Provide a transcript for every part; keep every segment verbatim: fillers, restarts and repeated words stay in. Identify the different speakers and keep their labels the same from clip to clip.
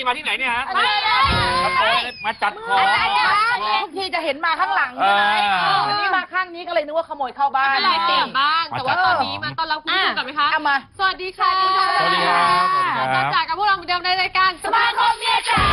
Speaker 1: มาที่ไหนเนี่ยฮะมาจัดของ
Speaker 2: ทุกทีจะเห็นมาข้างหลังใช่ไหมวันนี้มาข้างนี้ก็เลยนึกว่าขโมยเข้าบ้าน
Speaker 3: ไม่เป็นไรเปลี่ยนบ้างแต่ว่าตอนนี้มาต้อนรับคุณผู้ชมกันไหมคะ
Speaker 2: มา
Speaker 3: สวัสดีค่ะ
Speaker 1: สวัสดีครับ
Speaker 3: มาจากกับพวกเราเหมือนเดิมในรายการสมาคมเมียจ๋า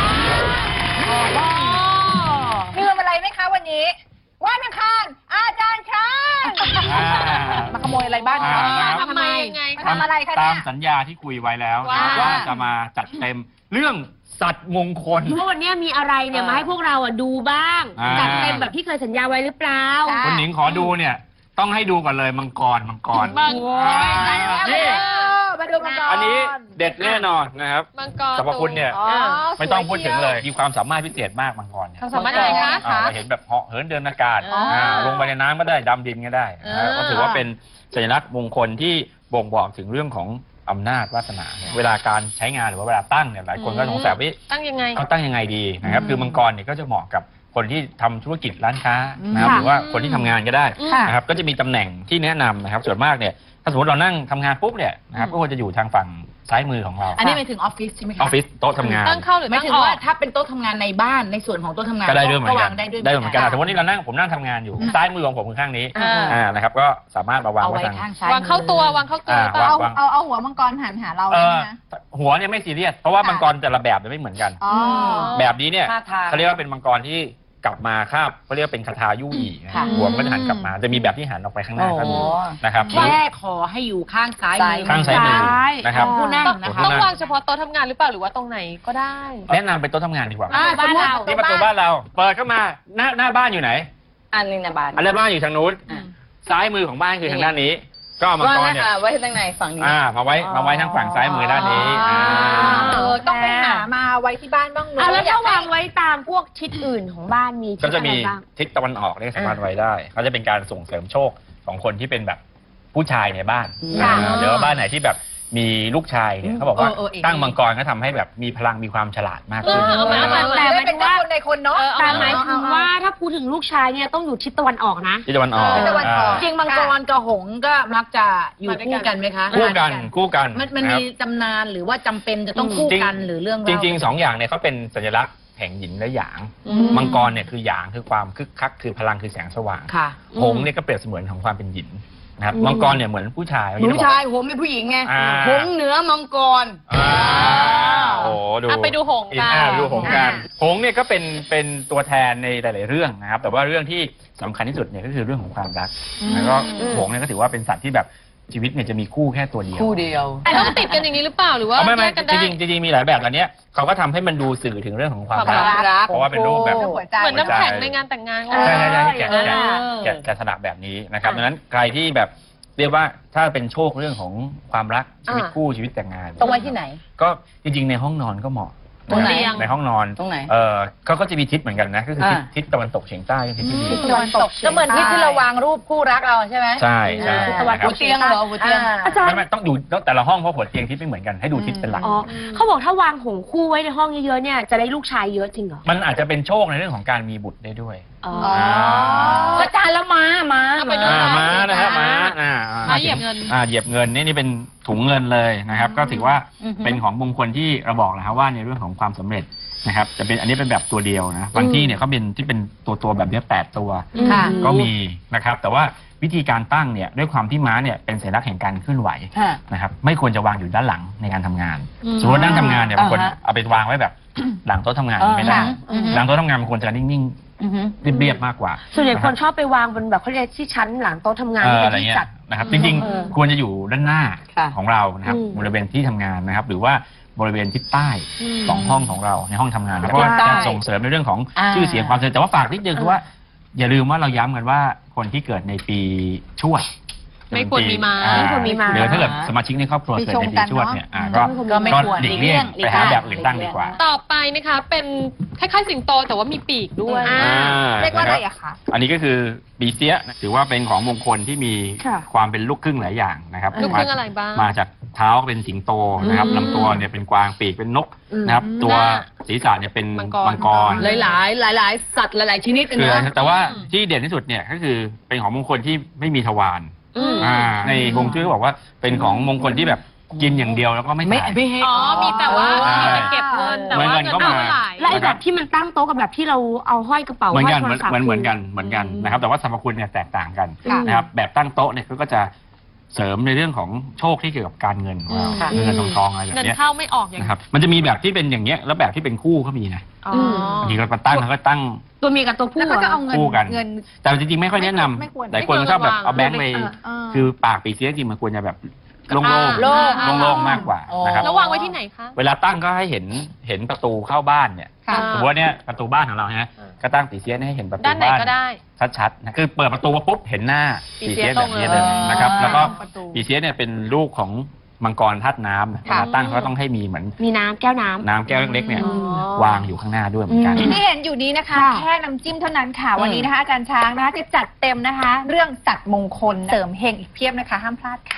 Speaker 2: ลืมอะไรไหมคะวันนี้วันอังคารอาจารย์ช้างมาขโมยอะไรบ้านคะ
Speaker 3: ทำไมยังไง
Speaker 2: ทำอะไรคะ
Speaker 1: ตามสัญญาที่คุยไว้แล้วว่าจะมาจัดเต็มเรื่องสัตว์มงคล
Speaker 4: เพราะวันนี้มีอะไรเนี่ยมาให้พวกเราอ่ะดูบ้างจัดเต็มแบบที่เคยสัญญาไว้หรือเปล่า
Speaker 1: คุณหนิงขอดูเนี่ยต้องให้ดูก่อนเลยมังกรมังกร
Speaker 2: นี่มาดูมังกร
Speaker 1: อันนี้เด็ดแน่นอนนะครับ
Speaker 3: มังกร
Speaker 1: สรรพคุณเนี่ยไม่ต้องพูดถึงเลยมีความสามารถพิเศษมากมังกรเนี่ย
Speaker 3: สามารถอะไรคะ
Speaker 1: เห็นแบบเหาะเหินเดินอากาศลงไปในน้ำก็ได้ดำดินก็ได้ก็ถือว่าเป็นสัญลักษณ์มงคลที่บ่งบอกถึงเรื่องของอำนาจวาสนาเวลาการใช้งานหรือว่าเวลาตั้งเนี่ยหลายคนก็สงสัยว่า
Speaker 3: ตั้งยังไง
Speaker 1: เขาตั้งยังไงดีนะครับคือมังกรเนี่ยก็จะเหมาะกับคนที่ทำธุรกิจร้านค้านะครับหรือว่าคนที่ทำงานก็ได้นะครับก็จะมีตำแหน่งที่แนะนำนะครับส่วนมากเนี่ยถ้าสมมติเรานั่งทำงานปุ๊บเนี่ยนะครับก็ควรจะอยู่ทางฝั่งซ้ายมือของเรา
Speaker 2: อันนี้หมายถึงออฟฟิศใช่ไหมคะ
Speaker 1: ออฟฟิศโต๊ะทำงาน
Speaker 3: ตั้งเข้าหรือ
Speaker 2: ไม่ถึงว่าถ้าเป็นโต๊ะทำงานในบ้านในส่วนของโต๊ะทำงาน
Speaker 1: ก็ได้ด้วยเหมือนกันได้เหมือนกัน
Speaker 2: แต่
Speaker 1: วันนี้เรานั่งผมนั่งทำงานอยู่ซ้ายมือของผมคือข้างนี้อ่านะครับก็สามารถมาวางไว้ทาง
Speaker 3: วางเข้าตัววางเข้าตัว
Speaker 2: เอาเอาเอาหัวมังกรหันหาเราใช่ไหม
Speaker 1: หัวเนี่ยไม่ซีเรียสเพราะว่ามังกรแต่ละแบบไม่เหมือนกันแบบนี้เนี่ยเขาเรียกว่าเป็นมังกรที่กลับมาคาบเขาเรียกว่าเป็นคาถายู่อีหัวมันจะหันกลับมาจะมีแบบที่หันออกไปข้างหน้าก็มีนะครับ
Speaker 2: แค่ขอให้อยู่ข้างซ้าย
Speaker 1: ข้างซ้ายมือนะครับ
Speaker 2: ผู้นั่ง
Speaker 3: ต้องวางเฉพาะโต๊ะทำงานหรือเปล่าหรือว่าตรงไหนก็ได้
Speaker 1: แนะนำเป็นโต๊ะทำงานดีกว่า
Speaker 2: บ้านเรา
Speaker 1: ที่ประตูบ้านเราเปิดเข้ามาหน้าหน้าบ้านอยู่ไหน
Speaker 2: อันนี้นะบ้าน
Speaker 1: อันนี้บ้านอยู่ทางนู้นซ้ายมือของบ้านคือทางด้านนี้ก็มังกรเนี่ย
Speaker 2: ไว้ทางไหนฝั่งนี้
Speaker 1: อ่ามาไว้มาไว้ทางฝั่งซ้ายมือด้านนี้
Speaker 2: ต้องไปหามาไว้ที่บ้านบ้าง
Speaker 4: เนอะแล้วถ้าวางไว้ตามพวกทิศอื่นของบ้านมี
Speaker 1: ก็จะมีทิศตะวันออกเนี่ยสามารถไว้ได้เขาจะเป็นการส่งเสริมโชคของคนที่เป็นแบบผู้ชายในบ้านเดี๋ยวบ้านไหนที่แบบมีลูกชายเนี่ยเขาบอกว่าตั้งมังกรก็ทำให้แบบมีพลังมีความฉลาดมากขึ้น
Speaker 2: แต่ไม่เป็นคนในคนเนาะ
Speaker 4: แต่หมายถึงว่าถ้าพูดถึงลูกชายเนี่ยต้องอยู่ทิศตะวันออกนะ
Speaker 1: ทิศตะวันออก
Speaker 2: จริงมังกรกับหงส์ก็มักจะอยู่คู่กันไหมคะ
Speaker 1: คู่กันคู่กัน
Speaker 2: มันมีตำนานหรือว่าจำเป็นจะต้องคู่กันหรือเรื่อง
Speaker 1: จริงๆสองอย่างเนี่ยเขาเป็นสัญลักษณ์แห่งหยินและหยางมังกรเนี่ยคือหยางคือความคึกคักคือพลังคือแสงสว่างหงส์เนี่ยก็เปรียบเสมือนของความเป็นหยินนะครับมังกรเนี่ยเหมือนผู้ชาย
Speaker 2: ผู้ชายหงส์เป็นผู้หญิงไงหงส์เหนือมังกร
Speaker 1: โอ้ดู
Speaker 3: ไปดูหงส์กัน
Speaker 1: ดูหงส์กันหงส์เนี่ยก็เป็นเป็นตัวแทนในหลายๆเรื่องนะครับแต่ว่าเรื่องที่สำคัญที่สุดเนี่ยก็คือเรื่องของความรักแล้วก็หงส์เนี่ยก็ถือว่าเป็นสัตว์ที่แบบชีวิตเนี่ยจะมีคู่แค่ตัวเดียว
Speaker 2: คู่เดียว
Speaker 3: ต้องติดกันอย่างนี้หรือเปล่าหรือว่า
Speaker 1: ไม่ไม่จริงจริงมีหลายแบบอันนี้เขาก็ทำให้มันดูสื่อถึงเรื่องของความรักเพราะว่าเป็นรูปแบบ
Speaker 3: เหมือนน้ำแข็งในงานแต่งงาน
Speaker 1: ใช่ใช่ใช่แกะแกะแกะแกะสลักแบบนี้นะครับดังนั้นใครที่แบบเรียกว่าถ้าเป็นโชคเรื่องของความรักชีวิตคู่ชีวิตแต่งงาน
Speaker 2: ต้องไว้ที่ไหน
Speaker 1: ก็จริงๆในห้องนอนก็เหมาะ
Speaker 2: ตรงไหน
Speaker 1: ในห้องนอน
Speaker 2: ตรงไหน
Speaker 1: เออเขาก็จะมีทิศเหมือนกันนะก็คือทิศตะวันตกเฉียงใต้ทิศที่ดี
Speaker 2: ตะวันตกก็เหมือนทิศที่เราวางรูปคู่รักเราใช่ไหม
Speaker 1: ใช่ใช่
Speaker 2: ตะวันตกเตียงเหรอหัวเตียง
Speaker 1: อาจารย์ไม่ต้องดูแต่ละห้องเพราะหัวเตียงทิศไม่เหมือนกันให้ดูทิศเป็นหลัก
Speaker 4: อ๋อเขาบอกถ้าวางหงคู่ไว้ในห้องเยอะๆเนี่ยจะได้ลูกชายเยอะจริงเหรอ
Speaker 1: มันอาจจะเป็นโชคในเรื่องของการมีบุตรได้ด้วย
Speaker 2: อ๋ออาจารย์แล้วม้าม้า
Speaker 1: ม้านะฮะม้าอ่า
Speaker 3: ม้าเหยียบเงิน
Speaker 1: อ่าเหยียบเงินนี่นี่เป็นถุงเงินเลยนะครับก็ถือว่าเป็นของมงคลที่เราบอกแล้วว่าในเรื่องของความสำเร็จนะครับจะเป็นอันนี้เป็นแบบตัวเดียวนะบางที่เนี่ยเขาเป็นที่เป็นตัวตัวแบบนี้แปดตัวก็มีนะครับแต่ว่าวิธีการตั้งเนี่ยด้วยความที่ม้าเนี่ยเป็นสัญลักษณ์แห่งการเคลื่อนไหวนะครับไม่ควรจะวางอยู่ด้านหลังในการทำงานสมมตินั่งทำงานเนี่ยบางคนเอาไปวางไว้แบบหลังโต๊ะทำงานไม่ได้หลังโต๊ะทำงานมันควรจะนิ่งๆเรียบๆมากกว่า
Speaker 4: ส่วนใหญ่คนชอบไปวางบนแบบเขาเรียกที่ชั้นหลังโต๊ะทำงาน
Speaker 1: อะไรเงี้ยนะครับจริงๆควรจะอยู่ด้านหน้าของเรานะครับบริเวณที่ทำงานนะครับหรือว่าบริเวณทิศใต้สองห้องของเราในห้องทำงานแล้วก็จะส่งเสริมในเรื่องของชื่อเสียงความเจริญแต่ว่าฝากนิดนึงคือว่าอย่าลืมว่าเราย้ำกันว่าคนที่เกิดในปีชวด
Speaker 3: ไม่ควรมีมา
Speaker 4: ไม่ควรมีมา
Speaker 1: หรือถ้าเกิดสมาชิกในครอบครัวเกิดในปีชวดเนี่ยก็หลีกเลี่ยงไปหาแบบอื่นตั้งดีกว่า
Speaker 3: ต่อไปนะคะเป็นคล้ายๆสิงโตแต่ว่ามีปีกด้วย
Speaker 2: เรียกว่าอะไรอะคะ
Speaker 1: อันนี้ก็คือปีเสียถือว่าเป็นของมงคลที่มีความเป็นลูกครึ่งหลายอย่างนะครับ
Speaker 3: ลูกครึ่งอะไรบ้าง
Speaker 1: มาจากเท้าเป็นสิงโตนะครับลำตัวเนี่ยเป็นกวางปีกเป็นนกนะครับตัวศีรษะเนี่ยเป็นมังกร
Speaker 2: หลายๆหลายๆสัตว์หลายๆชนิด
Speaker 1: นะแต่ว่าที่เด่นที่สุดเนี่ยก็คือเป็นของมงคลที่ไม่มีทวารในฮวงจุ้ยเขาบอกว่าเป็นของมงคลที่แบบกินอย่างเดียวแล้วก็ไม่
Speaker 5: ไม่
Speaker 1: ขาย
Speaker 5: ไม่ให้
Speaker 3: อ๋อ มีแต่ว่า
Speaker 1: ใช่
Speaker 3: มีแต่เก็บเงินแต่ว่า
Speaker 1: เงิ
Speaker 3: เงิ
Speaker 1: น
Speaker 3: น
Speaker 1: ก็
Speaker 3: ไม่
Speaker 1: มา
Speaker 3: ไหล
Speaker 4: แล้วไอ้แบบที่มันตั้งโต๊ะกับแบบที่เราเอาห้อยกระเป๋า
Speaker 1: เหมือนกัน
Speaker 4: ห้
Speaker 1: เห
Speaker 4: ย
Speaker 1: มือน
Speaker 4: โทรศัพท์
Speaker 1: เหมือนเหมือนกันเหมือนกันนะครับแต่ว่าสรรพคุณเนี่ยแตกต่างกัน
Speaker 2: ค่ะ
Speaker 1: นะครับแบบตั้งโต๊ะเนี่ยก็จะเสริมในเรื่องของโชคที่เกี่ยวกับการเงินของเรา
Speaker 3: ค่ะ
Speaker 1: เงินทองทองอะไรแบบ
Speaker 3: เงิน
Speaker 1: เนี้ย
Speaker 3: เข้าไม่ออกอย่าง
Speaker 1: นะครับมันจะมีแบบที่เป็นอย่างเงี้ยแล้วแบบที่เป็นคู่ก็มีนะ
Speaker 3: อ๋อ
Speaker 1: บางทีเรามาตั้งแล้วก็ตั้ง
Speaker 4: ตัวเมียกับตัวผู้
Speaker 2: แล้วก็จะเอา
Speaker 4: อะ
Speaker 2: เงิน
Speaker 1: คู่กัน
Speaker 2: เงิน
Speaker 1: แต่จริงๆไม่ค่อยแนะนำ
Speaker 2: ไม่ควร
Speaker 1: หลายคนก็ชอบแบบเอาแบงค์ไป
Speaker 2: เออเออ
Speaker 1: คือปากปีเสียจริงๆมันควรจะแบบโล่ง
Speaker 3: อ่า
Speaker 1: ๆ
Speaker 2: โล่ง
Speaker 1: โล่งๆมากกว่า
Speaker 2: อ๋อ
Speaker 1: นะครับ
Speaker 3: แล้ววางไว้ที่ไหนคะ
Speaker 1: เวลาตั้งก็ให้เห็นเห็นประตูเข้าบ้านเนี่ย
Speaker 2: ค่ะ
Speaker 1: สมมติว่าเนี่ยประตูบ้านของเราฮะ
Speaker 3: อ่า
Speaker 1: ก็ตั้งปีเสียให้เห็นประตู
Speaker 3: ด้านไหน
Speaker 1: บ้าน
Speaker 3: ก็ได้
Speaker 1: ชัดๆนะคือเปิดประตูมาปุ๊บเห็นหน้า
Speaker 3: ปี
Speaker 1: ปี
Speaker 3: เสี
Speaker 1: เสี
Speaker 3: ย
Speaker 1: ยแบบนี้เลย
Speaker 3: ตรงเลย
Speaker 1: นะครับ แล้วก็
Speaker 2: ประตู
Speaker 1: ปีเสียเนี่ยเป็นลูกของมังกรธาตุน้ำเว
Speaker 2: ค่ะ
Speaker 1: ลาตั้งเขาก็ต้องให้มีเหมือน
Speaker 4: มีน้ำแก้วน้ำ
Speaker 1: น้ำแก้วเล็กๆเนี่ย
Speaker 3: อ๋อ
Speaker 1: วางอยู่ข้างหน้าด้วยเหมือนกัน
Speaker 4: อืม
Speaker 2: ที่เห็นอยู่นี้นะคะ
Speaker 4: ค่ะ
Speaker 2: แค่น้ำจิ้มเท่านั้นค่ะ วันนี้นะคะอาจารย์ช้างนะคะจะจัดเต็มนะคะ เรื่องสัตว์มงคลเสริมเฮงอีกเพียบนะคะ ห้ามพลาดค่ะ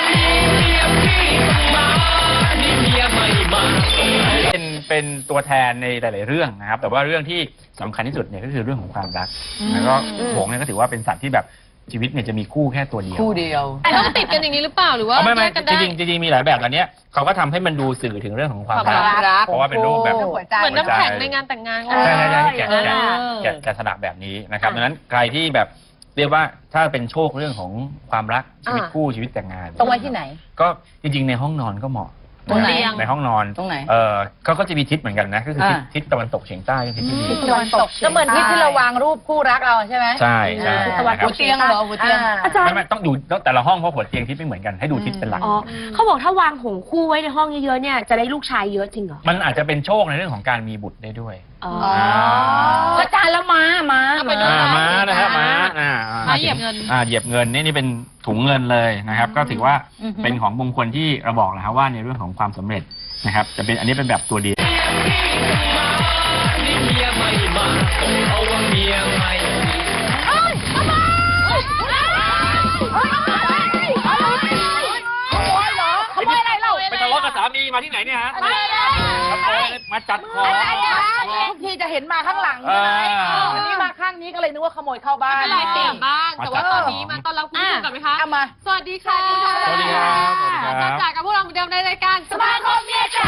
Speaker 1: เป็นเป็นตัวแทนในหลาย ๆ เรื่องนะครับ แต่ว่าเรื่องที่สำคัญที่สุดเนี่ยก็คือเรื่องของความรัก แล้วก็หงส์เนี่ยก็ถือว่าเป็นสัตว์ที่แบบชีวิตเนี่ยจะมีคู่แค่ตัวเดียว
Speaker 5: คู่เดียว
Speaker 3: แต่ต้องติดกันอย่างนี้หรือเปล่าหรือว่า
Speaker 1: เอาไม่ไม่
Speaker 3: แยกกัน
Speaker 1: จ
Speaker 3: ได้
Speaker 1: ริงๆจริงๆมีหลายแบบอันเนี้ยเขาก็ทำให้มันดูสื่อถึงเรื่องของความ
Speaker 3: ความ
Speaker 1: รัก
Speaker 3: รัก
Speaker 1: เพราะว่าเป็นรูปแบบ
Speaker 2: เรื่องหัวใจ
Speaker 3: เหมือนน้ำแข็งในงานแต่งงาน
Speaker 1: ใช่ใช่ใช่แกะ
Speaker 2: เออ
Speaker 1: แกะ
Speaker 2: เออ
Speaker 1: แกะแกะสลักแบบนี้นะครับดังนั้นใครที่แบบเรียกว่าถ้าเป็นโชคเรื่องของความรักชีวิตคู่ชีวิตแต่งงาน
Speaker 5: ต้องไว้ที่ไหน
Speaker 1: ก็จริงๆในห้องนอนก็เหมาะ
Speaker 5: ตรงไหน
Speaker 1: ในห้องนอน
Speaker 5: ตรงไหน
Speaker 1: เออเขาก็จะมีทิศเหมือนกันนะก็คือทิศ
Speaker 5: อ่า
Speaker 1: ทิศตะวันตกเฉียงใต้เป็นทิศที่ดี
Speaker 2: ตะวันตก
Speaker 5: ก็เหมือนที่ที่เราวางรูปคู่รักเราใช่ไหม
Speaker 1: ใช่ใช่
Speaker 5: ตะวัน
Speaker 1: นะค
Speaker 5: หั
Speaker 1: รับ
Speaker 5: วเตียงเหรอหัวเตียง
Speaker 4: อาจาร
Speaker 1: ไม่
Speaker 4: ย์
Speaker 1: ไม่ต้องอยู่แต่ละห้องเพราะหัวเตียงทิศไม่เหมือนกันให้ดูทิศเป็นหลัก
Speaker 4: อ๋อเขาบอกถ้าวางหงส์คู่ไว้ในห้องเยอะๆเนี่ยจะได้ลูกชายเยอะจริงเหรอ
Speaker 1: มันอาจจะเป็นโชคในเรื่องของการมีบุตรได้ด้วย
Speaker 4: อ๋อ
Speaker 5: อาจารย์แล้วม้าม้า
Speaker 3: เอาไปดู
Speaker 1: อ่าม้านะครับม้าอ่า
Speaker 3: ม้าเหยียบเงิน
Speaker 1: อ่าเหยียบเงินนี่นี่เป็นถุงเงินเลยนะครับ ก็ถือว่าเป็นของมงคลที่เราบอกนะครับว่าในเรื่องของความสำเร็จนะครับ จะเป็นอันนี้เป็นแบบตัวเดียว
Speaker 2: ขโมยเหรอขโมยอะไรเรา
Speaker 1: ไปทะเลาะกับสามีมาที่ไหนเนี่ยฮะ
Speaker 2: อะไรอะไร
Speaker 1: ขโมยมาจัดของ
Speaker 2: อะไรคะทุกทีจะเห็นมาข้างหลังใช่ไหม
Speaker 1: อ่า
Speaker 2: วันนี้มาข้างนี้ก็เลยนึกว่าขโมยเข้าบ้า
Speaker 3: ไม่
Speaker 2: น
Speaker 3: เป็นไรเปลี่ยนบ้าง แต่ว่า
Speaker 1: มาจัด
Speaker 3: ตอนนี้มาต้อนรับคุณผู้ชมก่อนไหมคะ
Speaker 2: เอามา
Speaker 3: สวัสดีค่ะ
Speaker 1: สวัสดีครับสวัสดีครับ
Speaker 3: อาจารย์จ๋ากับพวกเราเหมือนเดิมในรายการสมาคมเมียจ๋า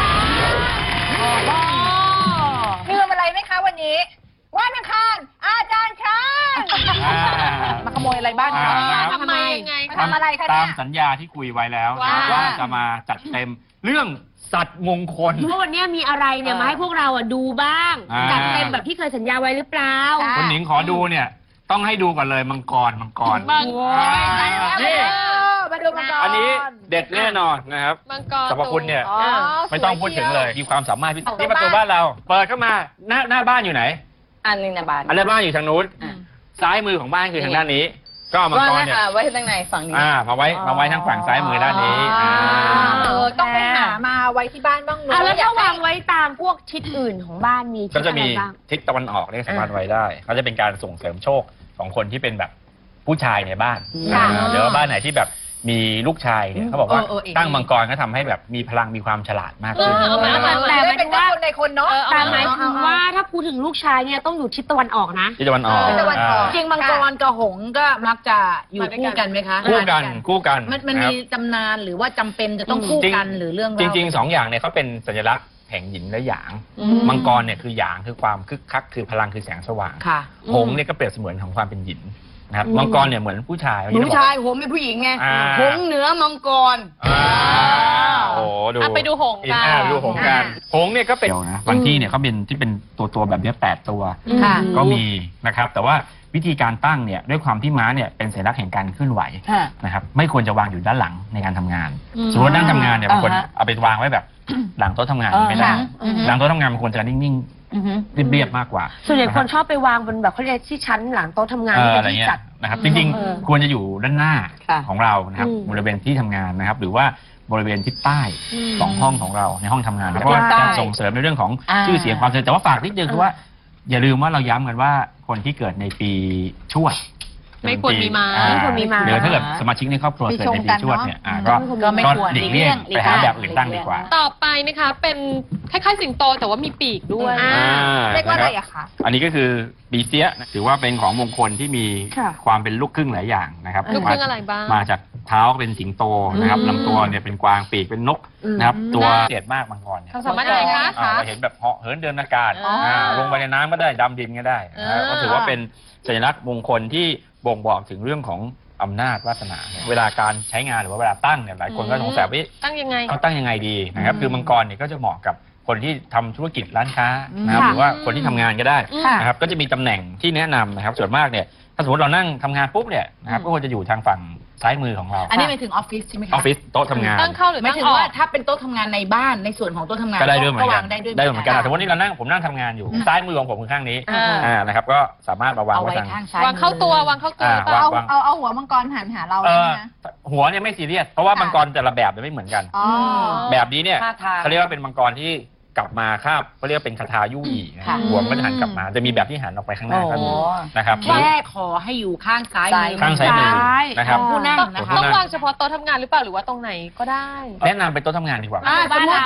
Speaker 2: ลืมอะไรไหมคะวันนี้วันอังคารอาจารย์ช้าง
Speaker 1: อ่า
Speaker 2: มาขโมยอะไรบ้าน
Speaker 1: อ่า
Speaker 2: เขา
Speaker 1: นะครับ
Speaker 3: ทำไมยังไง
Speaker 2: มา
Speaker 3: คะ
Speaker 2: ทำอะไรคะเนี่ย
Speaker 1: ตามสัญญาที่คุยไว้แล้ว
Speaker 3: ว่า
Speaker 1: นะว่าจะมาจัดเต็มเรื่องสัตว์มงคล
Speaker 4: เพราะวันเนี้ยมีอะไรเนี่ยมาให้พวกเราอ่ะดูบ้าง
Speaker 1: อ่า
Speaker 4: จัดเต็มแบบที่เคยสัญญาไว้หรือเปล่า
Speaker 2: ค่ะ
Speaker 1: คุณหนิงขอดูเนี่ย ต้องให้ดูก่อนเลยมังกรมังกร
Speaker 3: มังกร
Speaker 1: อ่า
Speaker 2: นี่
Speaker 1: นี่
Speaker 2: มาดูมังกร
Speaker 1: อันนี้เด็ดแน่นอนนะครับ
Speaker 3: มังกร
Speaker 1: สรรพคุณเนี่ย
Speaker 2: อ๋อ
Speaker 1: ไม่ต้องพูดถึงเลย มีความสามารถพิเศษนี่ประตูบ้านเรา เปิดเข้ามาหน้าหน้าบ้านอยู่ไหน
Speaker 5: อันหนึงนะบาน
Speaker 1: อันหน้าบ้านอยู่ทางนู้น
Speaker 5: อ่ะ
Speaker 1: ซ้ายมือของบ้านคือทางด้านนี้ ก็เอามัง
Speaker 5: ว่าก
Speaker 1: ร
Speaker 5: นะ
Speaker 1: เนี่ย
Speaker 5: คะไว้ทางไหนฝั่งนี้
Speaker 1: อ่ามาไว้มาไว้ทางฝั่งซ้ายมือด้านนี้อ่า
Speaker 2: เออต้องไปหามาไว้ที่บ้านบ้างเน
Speaker 4: อ่ะ
Speaker 2: อะ
Speaker 4: แล้ว
Speaker 2: อยา
Speaker 4: ถ้าก
Speaker 2: ให้
Speaker 4: วางไว้ตามพวกทิศอื่นของบ้านมีทิ
Speaker 1: ก็
Speaker 4: ศ
Speaker 1: จะ
Speaker 4: อะไร
Speaker 1: มี
Speaker 4: บ้าง
Speaker 1: ทิศตะวันออกเนี่ยสามารถไว้ได้เขาจะเป็นการส่งเสริมโชคของคนที่เป็นแบบผู้ชายในบ้าน
Speaker 5: ค่ะ
Speaker 1: อ่าหรือว่าบ้านไหนที่แบบมีลูกชายเนี่ยเขาบอกว่า
Speaker 5: เออเออเออ
Speaker 1: ตั้งมังกรก็ทำให้แบบมีพลังมีความฉลาดมาก
Speaker 3: เอ
Speaker 1: ขึ้น
Speaker 3: อเอามาเอามา
Speaker 2: แต่ไม่เป็นเจ้าคนในคนเนาะ
Speaker 3: เออเอา
Speaker 4: แต่
Speaker 3: มา
Speaker 4: หมายถึงว่าถ้าพูดถึงลูกชายเนี่ยต้องอยู่ทิศตะวันออกนะ
Speaker 1: ทิศตะวันออก
Speaker 2: ทิศตะวันออก
Speaker 1: อ่า
Speaker 5: จริงมังกรกับหงส์ก็มักจะอยู่คู่กันไหมคะ
Speaker 1: คู่กันคู่กัน
Speaker 5: มันมัน
Speaker 1: นะค
Speaker 5: มี
Speaker 1: รับ
Speaker 5: ตำนานหรือว่าจำเป็นจะต้องคู่กันหรือเรื่อง
Speaker 1: จ
Speaker 5: เล่า
Speaker 1: ริงๆสองอย่างเนี่ยเขาเป็นสัญลักษณ์แห่งหยินและหยาง
Speaker 5: อืม
Speaker 1: มังกรเนี่ยคือหยางคือความคึกคักคือพลังคือแสงสว่าง
Speaker 5: ค่ะ
Speaker 1: หงส์เนี่ยก็เปรียบเสมือนของความเป็นหยินนะครับ
Speaker 4: อืม
Speaker 1: มังกรเนี่ยเหมือนผู้ชาย
Speaker 5: ผู้ชายหงส์เป็นผู้หญิงไง
Speaker 1: อ่า
Speaker 5: หงส์เหนือมังกร
Speaker 1: อ่าโอ้โหดู
Speaker 3: อ่ะไปดูหงส์กัน
Speaker 1: อ่าดูหงส์กันหงส์เนี่ยก็เป็นนะบางที่เนี่ยเขาเป็นที่เป็นตัวตัวๆแบบเนี้ยแปดตัว
Speaker 5: ค่ะ
Speaker 1: ก็มีนะครับแต่ว่าวิธีการตั้งเนี่ยด้วยความที่ม้าเนี่ยเป็นสัญลักษณ์แห่งการเคลื่อนไหว
Speaker 5: ค่ะ
Speaker 1: นะครับไม่ควรจะวางอยู่ด้านหลังในการทำงาน
Speaker 3: อืม
Speaker 1: สมมติว่านั่งทำงานเนี่ยบางคน
Speaker 5: อ่าฮะ
Speaker 1: เอาไปวางไว้แบบ หลังโต๊ะทำงาน
Speaker 5: อ่า
Speaker 1: ไม่ได้
Speaker 5: ค่ะอือฮึ
Speaker 1: หลังโต๊ะทำงานมันควรจะนิ่ง
Speaker 5: อือฮึ
Speaker 1: ๆเรียบๆมากกว่า
Speaker 4: ส่วนใหญ่คนชอบไปวางบนแบบเขาเรียกที่ชั้นหลังโต๊ะทำงาน
Speaker 1: เอ
Speaker 4: ที่
Speaker 1: อ
Speaker 4: เป็น
Speaker 1: อะไร
Speaker 4: ที่
Speaker 1: เงี้ย
Speaker 4: จัด
Speaker 1: นะครับจริง
Speaker 5: เออ
Speaker 1: ๆ ควรจะอยู่ด้านหน้า
Speaker 5: ค่ะ
Speaker 1: ของเรานะครับ
Speaker 4: อืม
Speaker 1: บริเวณที่ทำงานนะครับหรือว่าบริเวณทิศใต้
Speaker 4: อืม
Speaker 1: สองห้องของเราในห้องทำงานเพราะว่า
Speaker 5: ใต้
Speaker 1: จะส่งเสริมในเรื่องของ
Speaker 5: อ่า
Speaker 1: ชื่อเสียงความเจริญแต่ว่าฝากนิดนึงคือว่า อย่าลืมว่าเราย้ำกันว่าคนที่เกิดในปีชวด
Speaker 3: ไม่ควรมีม้า
Speaker 1: อ่
Speaker 4: ไม่ควรมีม้า
Speaker 1: หรือถ้าเกิดสมาชิกในครอบครัว
Speaker 2: ปี
Speaker 1: เกิด
Speaker 2: ชง
Speaker 1: ในปี
Speaker 2: กัน
Speaker 1: ชวด
Speaker 2: เนอะ
Speaker 1: เนี่ยอ่า
Speaker 2: อืม
Speaker 1: ก็
Speaker 5: ก็ไม่ควร
Speaker 1: หลีกเลี่ยง
Speaker 5: หลีก
Speaker 1: ไปหา
Speaker 5: เลี่ยง
Speaker 1: แบบอื่นตั้งดีกว่า
Speaker 3: ต่อไปนะคะเป็นคล้ายๆสิงโตแต่ว่ามีปีกด้วย
Speaker 4: อ่า
Speaker 2: เรียกว่าอะไรอะคะ
Speaker 1: อันนี้ก็คือปีเสียถือว่าเป็นของมงคลที่มี
Speaker 4: ค่ะ
Speaker 1: ความเป็นลูกครึ่งหลายอย่างนะครับ
Speaker 3: ลูกครึ่ง
Speaker 1: มา
Speaker 3: อะไรบ้าง
Speaker 1: มาจากเท้าเป็นสิงโตนะครับ
Speaker 3: อืม
Speaker 1: ลำตัวเนี่ยเป็นกวางปีกเป็นนกนะครับตัวเสียดมากมังกรเนี่ย
Speaker 3: ความสามารถอะไรคะ
Speaker 1: อ่าเราเห็นแบบเหาะเหินเดินอากาศ
Speaker 3: อ๋ออ่
Speaker 1: าลงไปในน้ำก็ได้ดำดินก็ได้นะ
Speaker 3: อ่า
Speaker 1: ก็ถือว่าเป็นสัญลักษณ์มงคลที่บ่งบอกถึงเรื่องของอำนาจวาสนาเวลาการใช้งานหรือว่าเวลาตั้งเนี่ยหลายคนก็สงสัยว่า
Speaker 3: ตั้งยังไง
Speaker 1: เขาตั้งยังไงดีนะครับคือมังกรเนี่ยก็จะเหมาะกับคนที่ทำธุรกิจร้านค้านะครับ
Speaker 4: ค่ะ
Speaker 1: หรือว่าคนที่ทำงานก็ได้
Speaker 2: ค่ะ
Speaker 1: นะครับก็จะมีตำแหน่งที่แนะนำนะครับส่วนมากเนี่ยถ้าสมมติเรานั่งทำงานปุ๊บเนี่ยนะครับก็ควรจะอยู่ทางฝั่งซ้ายมือของเรา
Speaker 5: อันนี้หมายถึงออฟฟิศใช่ไหม
Speaker 1: อ
Speaker 5: คะ
Speaker 1: อฟฟิศโต๊ะทำงาน
Speaker 3: ตั้งเข้าหรือ
Speaker 5: หมาย
Speaker 3: ตั้ง
Speaker 5: ถึง
Speaker 3: ออ
Speaker 5: ว่าก ถ้าเป็นโต๊ะทำงานในบ้านในส่วนของโต๊ะทำงาน
Speaker 1: ก็ได้ด้วยเหมือนกัน
Speaker 5: วางได้ด้วย
Speaker 1: ได้เหมือนกัน
Speaker 5: ค่ะ
Speaker 1: แต่วันนี้เรานั่งผมนั่งทำงานอยู่ซ้ายมือของผมคือข้างนี้
Speaker 3: อ่า
Speaker 1: อ่านะครับก็สามารถมาวาง
Speaker 5: เอา
Speaker 1: ไว้
Speaker 5: ไว้
Speaker 1: ทาง
Speaker 5: ข้างซ้าย
Speaker 3: วางเข้าตัววางเข้าตัว
Speaker 1: อ่า
Speaker 3: หรือเปล่า
Speaker 1: วาง
Speaker 2: เอาเอาเอาหัวมังกรหันหาเรา
Speaker 1: เอ
Speaker 2: ใช่
Speaker 1: อ
Speaker 2: ไหมนะ
Speaker 1: หัวเนี่ยไม่ซีเรียสเพราะว่า
Speaker 2: ค่ะ
Speaker 1: มังกรแต่ละแบบเนี่ยไม่เหมือนกัน
Speaker 2: อ๋อ
Speaker 1: แบบนี้เนี่ย
Speaker 5: ท่าทาง
Speaker 1: เขาเรียกว่าเป็นมังกรที่กลับมาคาบเขาเรียกว่าเป็นคาถายู่อีนะ
Speaker 5: ค่ะ
Speaker 1: หัวมันก็จะหันกลับมาจะมีแบบที่หันออกไปข้างหน้าก็มี
Speaker 5: โอ้
Speaker 1: นะครับ
Speaker 5: แค่ขอให้อยู่ข้างซ้ายมือ
Speaker 1: ข้างซ้ายมือนะครับ
Speaker 5: ผู้นั่ง
Speaker 3: ต้อง
Speaker 5: นะคะ
Speaker 3: ต้องวางเฉพาะโต๊ะทำงานหรือเปล่าหรือว่าตรงไหนก็ได้
Speaker 1: แนะนำเป็นโต๊ะทำงานดีกว่า
Speaker 5: อ่าสมมติ